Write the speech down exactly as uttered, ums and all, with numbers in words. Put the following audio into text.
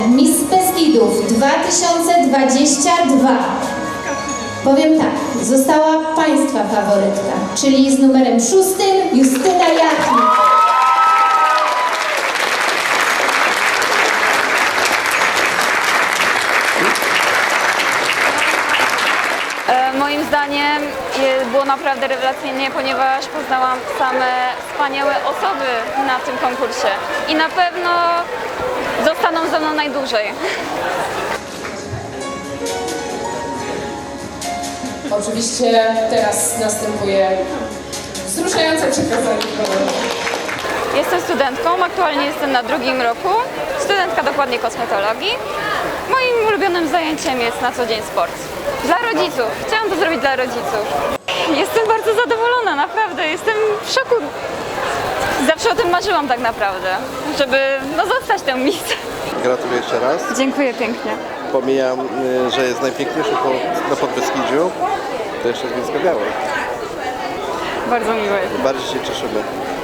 Miss Beskidów dwa tysiące dwadzieścia dwa. Powiem tak, została Państwa faworytka, czyli z numerem szóstym Justyna Jachnik. Moim zdaniem było naprawdę rewelacyjnie, ponieważ poznałam same wspaniałe osoby na tym konkursie i na pewno zostaną ze mną najdłużej. Oczywiście teraz następuje wzruszające przekazanie. Jestem studentką, aktualnie jestem na drugim roku, studentka dokładnie kosmetologii. Moim ulubionym zajęciem jest na co dzień sport. Dla rodziców. Chciałam to zrobić dla rodziców. Jestem bardzo zadowolona, naprawdę. Jestem w szoku. Zawsze o tym marzyłam tak naprawdę, żeby no, zostać tę Miss. Gratuluję jeszcze raz. Dziękuję pięknie. Pomijam, y, że jest najpiękniejszy po, na Podbeskidziu. To jeszcze jest Bielsko-Biała. Bardzo miłe. Bardziej się cieszymy.